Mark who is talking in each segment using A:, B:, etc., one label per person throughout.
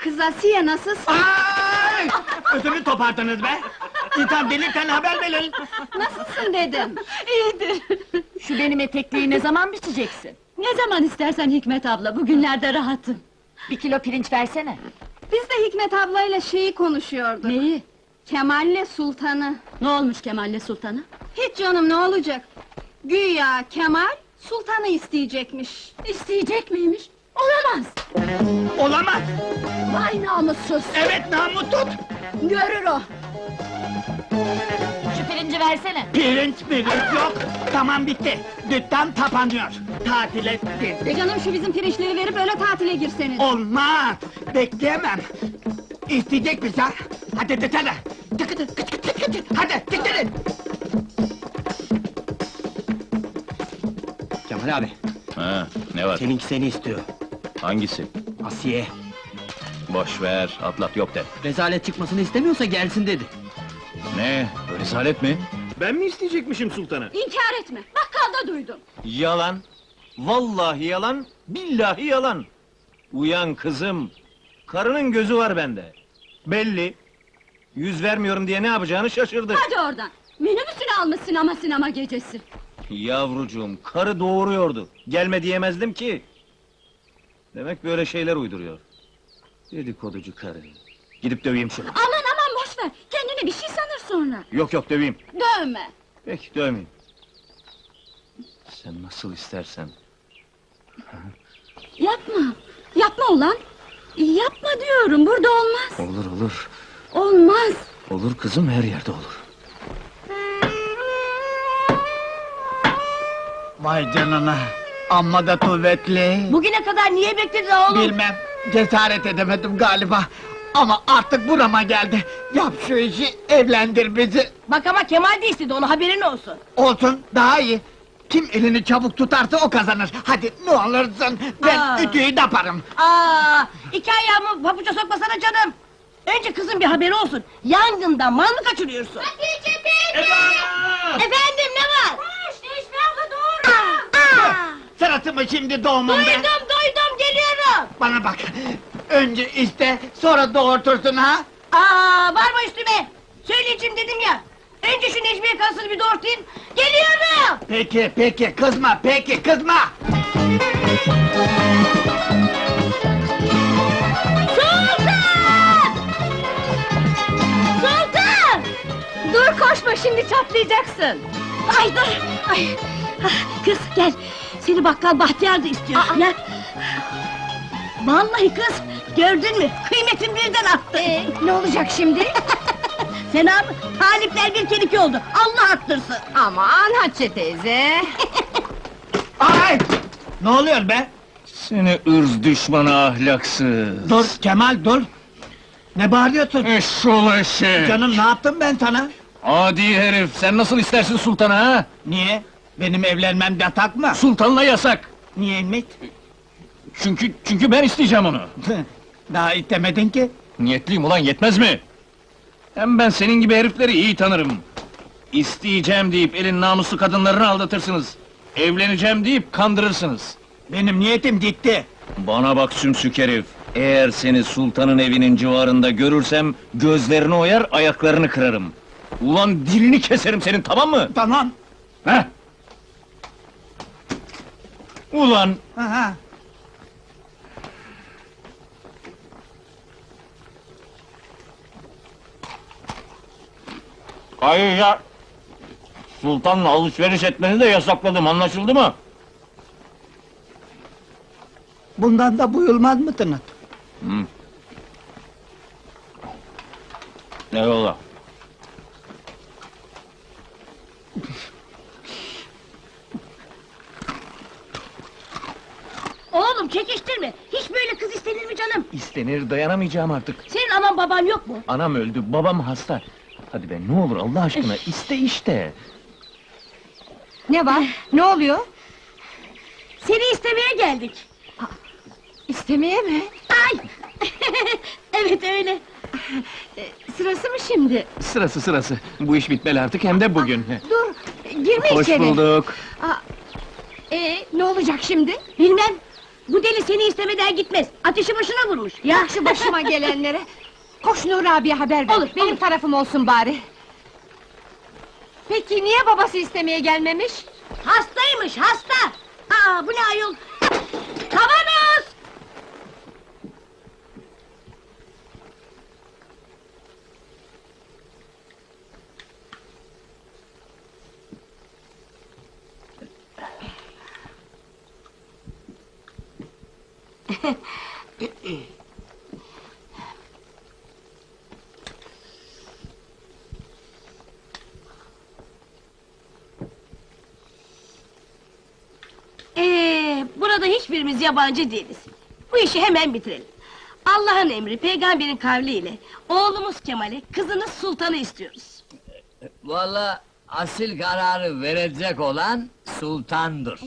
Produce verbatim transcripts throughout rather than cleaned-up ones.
A: Kız Asiye nasılsın?
B: Ay! Ödümü topardınız be! İnsan delirken haber verin!
A: Nasılsın dedim.
C: İyidir.
D: Şu benim etekliği ne zaman biçeceksin?
C: Ne zaman istersen Hikmet abla, bugünlerde rahatım.
D: Bir kilo pirinç versene.
A: Biz de Hikmet ablayla şeyi konuşuyorduk.
C: Neyi?
A: Kemal'le Sultan'ı.
C: Ne olmuş Kemal'le Sultan'a?
A: Hiç canım, ne olacak? Güya Kemal, Sultan'ı isteyecekmiş.
C: İsteyecek miymiş? Olamaz!
B: Olamaz!
C: Vay namussuz!
B: Evet, namı tut!
C: Görür o!
D: Şu pirinci versene.
B: Pirinç pirinç yok! Tamam, bitti! Dükkan kapanıyor! Tatile girdik!
A: Canım, şu bizim pirinçleri verip öyle tatile girseniz.
B: Olmaz! Bekleyemem! İsteyecek misin ha? Hadi dışarı! Tıkıdı, kıç kıç kıç kıç! Hadi, diktirin! Kemal abi,
E: Ha, ne var?
B: seninki seni istiyor.
E: Hangisi?
B: Asiye,
E: Boş ver, atlat yok de.
B: rezalet çıkmasını istemiyorsa gelsin dedi.
E: Ne? Rezalet mi?
F: Ben mi isteyecekmişim sultanı?
C: İnkar etme! Bakkalda duydum!
F: Yalan! Vallahi yalan, billahi yalan! Uyan kızım! Karının gözü var bende! Belli! Yüz vermiyorum diye ne yapacağını şaşırdı!
C: Hadi oradan! Minibüsünü almışsın ama sinema gecesi!
F: Yavrucuğum, karı doğuruyordu! Gelme diyemezdim ki! Demek böyle şeyler uyduruyor! Dedikoducu karı! Gidip döveyim şunu!
C: Aman aman boş ver! Kendini bir şey sanır sonra!
F: Yok yok, döveyim!
C: Dövme!
F: Peki, dövmeyeyim! Sen nasıl istersen!
C: Yapma! Yapma ulan! Yapma diyorum, burada olmaz!
F: Olur olur!
C: Olmaz!
F: Olur kızım, her yerde olur!
B: Vay canına! Amma da kuvvetli!
D: Bugüne kadar niye bekledin oğlum?
B: Bilmem, cesaret edemedim galiba! Ama artık burama geldi! Yap şu işi, evlendir bizi!
D: Bak ama Kemal de istedi, onu haberin olsun.
B: Olsun, daha iyi! Kim elini çabuk tutarsa o kazanır! Hadi ne olursun, ben
D: Aa.
B: ütüyü yaparım!
D: Aa, iki ayağımı pabuca sokmasana canım! Önce kızın bir haberi olsun, yangından mal mı kaçırıyorsun? Efendim, ne var? Koş, Necmi abla doğru!
B: Sırası mı şimdi doğumum be?
D: Duydum, duydum, geliyorum!
B: Bana bak! Önce iste, sonra doğurtursun ha!
D: Aa, varma üstüme! Söyleyeceğim dedim ya! Önce şu Necmiye karısını bir doğurtayım, geliyorum!
B: Peki, peki, kızma, peki, kızma!
D: Sultan! Sultan!
C: Dur koşma, şimdi çatlayacaksın!
D: Ay dur! Ay. ah, Kız gel! Seni bakkal Bahtiyar da istiyor, gel! Vallahi kız, gördün mü? Kıymetim birden arttı!
C: Ee, ne olacak şimdi?
D: Sen abi, talipler bir kere iki oldu, Allah arttırsın!
C: Aman Hatice teyze!
B: Ay! Ne oluyor be?
F: Seni ırz düşmanı ahlaksız!
B: Dur, Kemal dur! Ne bağırıyorsun?
F: Eşşoğlu eşeği!
B: Canım, ne yaptım ben sana?
F: Adi herif, sen nasıl istersin sultanı ha?
B: Niye? Benim evlenmem yatak mı?
F: Sultanla yasak!
B: Niye Ümit?
F: Çünkü, çünkü ben isteyeceğim onu!
B: Daha istemedin ki!
F: Niyetliyim ulan, yetmez mi? Hem ben senin gibi herifleri iyi tanırım! İsteyeceğim deyip elin namuslu kadınlarını aldatırsınız! Evleneceğim deyip kandırırsınız!
B: Benim niyetim gitti!
F: Bana bak sümsük herif! Eğer seni sultanın evinin civarında görürsem, gözlerini oyar, ayaklarını kırarım! Ulan dilini keserim senin, tamam mı?
B: Tamam!
F: Heh! Ulan!
B: Aha.
F: Ayrıca... Sultanla alışveriş etmeni de yasakladım, anlaşıldı mı?
B: Bundan da buyulmaz mısınız?
F: Hı. Eyvallah.
D: Oğlum çekiştirme! Hiç böyle kız istenir mi canım?
F: İstenir, dayanamayacağım artık.
D: Senin anan baban yok mu?
F: Anam öldü, babam hasta. Hadi be, ne olur Allah aşkına, iste işte!
C: Ne var? Ne oluyor?
D: Seni istemeye geldik!
C: İstemeye mi?
D: Ay! Evet öyle!
C: Sırası mı şimdi?
F: Sırası sırası, bu iş bitmeli artık, hem de bugün!
C: Dur, girme
F: Hoş
C: içeri!
F: bulduk!
C: Ee, ne olacak şimdi?
D: Bilmem! Bu deli seni istemeden gitmez. Ateşi başına vurmuş. Ya
A: Bak şu başıma gelenlere! Koş Nuri abiye haber ver,
D: Olur,
A: benim
D: olur.
A: tarafım olsun bari! Peki niye babası istemeye gelmemiş?
D: hastaymış, hasta! Aa, bu ne ayol? Kavanoz! Ee, burada hiçbirimiz yabancı değiliz. Bu işi hemen bitirelim. Allah'ın emri, peygamberin kavliyle oğlumuz Kemal'e, kızınız Sultan'ı istiyoruz.
G: Vallahi asil kararı verecek olan sultandır.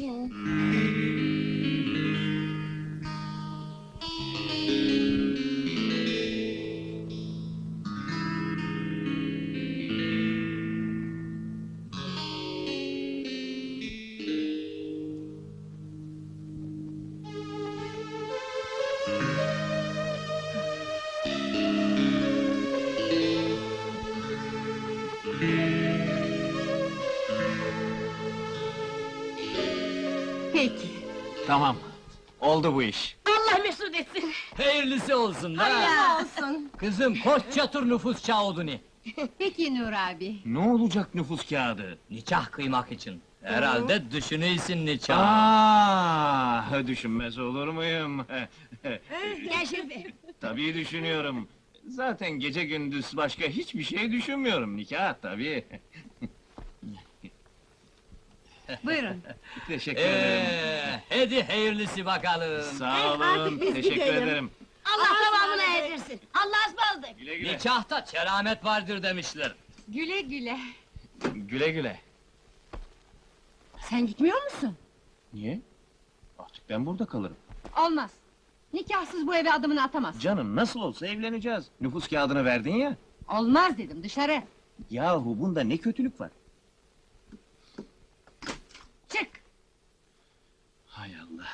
A: Peki!
F: Tamam, oldu bu iş.
D: Allah mesut etsin!
G: Hayırlısı olsun da.
A: olsun!
G: Kızım koş çatır nüfus kağıdını.
A: Peki Nuri abi!
F: Ne olacak nüfus kağıdı?
G: Nikah kıymak için. Herhalde düşünüyorsun nikah.
F: Aa, düşünmez olur muyum?
D: Gel Şerife!
F: Tabii düşünüyorum. Zaten gece gündüz başka hiçbir şey düşünmüyorum. Nikah tabii.
A: Buyurun!
F: Teşekkür ederim.
G: Ee, hadi hayırlısı bakalım.
F: Sağ olun,
D: artık biz
F: teşekkür
D: gidelim.
F: ederim.
D: Allah tamamına erdirsin! Allah'a ısmarladık!
F: Güle güle.
G: Nikahta keramet vardır demişler.
A: Güle güle!
F: Güle güle.
A: Sen gitmiyor musun?
F: Niye? Artık ben burada kalırım.
A: Olmaz! Nikahsız bu eve adımını atamaz!
F: Canım nasıl olsa evleneceğiz. Nüfus kağıdını verdin ya.
A: Olmaz dedim, dışarı!
F: Yahu bunda ne kötülük var?
A: Çık!
F: Hay Allah.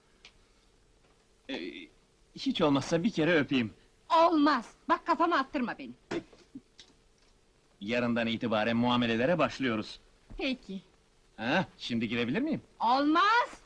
F: Ee, hiç olmazsa bir kere öpeyim.
A: Olmaz! Bak kafama attırma beni!
F: Yarından itibaren muamelelere başlıyoruz.
A: Peki!
F: Ha, şimdi girebilir miyim?
A: Olmaz!